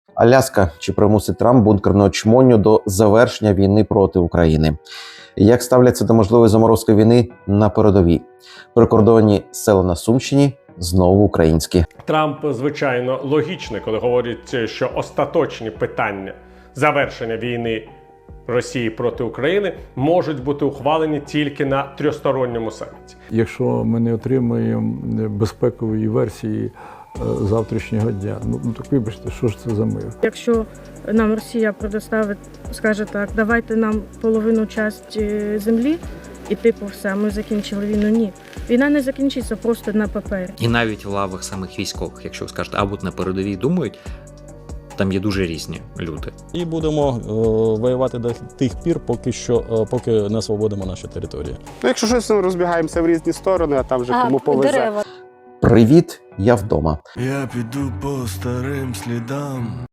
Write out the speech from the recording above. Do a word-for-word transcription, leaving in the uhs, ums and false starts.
Аляска. Чи примусить Трамп бункерну чмоню до завершення війни проти України? Як ставляться до можливої заморозки війни на передовій? Прикордонні села на Сумщині знову українські. Трамп, звичайно, логічний, коли говорить, що остаточні питання завершення війни Росії проти України можуть бути ухвалені тільки на трьохсторонньому саміті. Якщо ми не отримаємо безпекової версії завтрашнього дня, ну, ну так вибачте, що ж це за мир? Якщо нам Росія предоставить, скаже так, давайте нам половину частини землі, і типу все, ми закінчили війну. Ні. Війна не закінчиться просто на папері. І навіть в лавах самих військових, якщо ви скажете, або на передовій думають, там є дуже різні люди. І будемо е, воювати до тих пір, поки що, е, поки не освободимо наші території. Ну, якщо щось, ми розбігаємося в різні сторони, а там вже А, кому повезе. дерева. Привіт, я вдома. Я піду по старим слідам.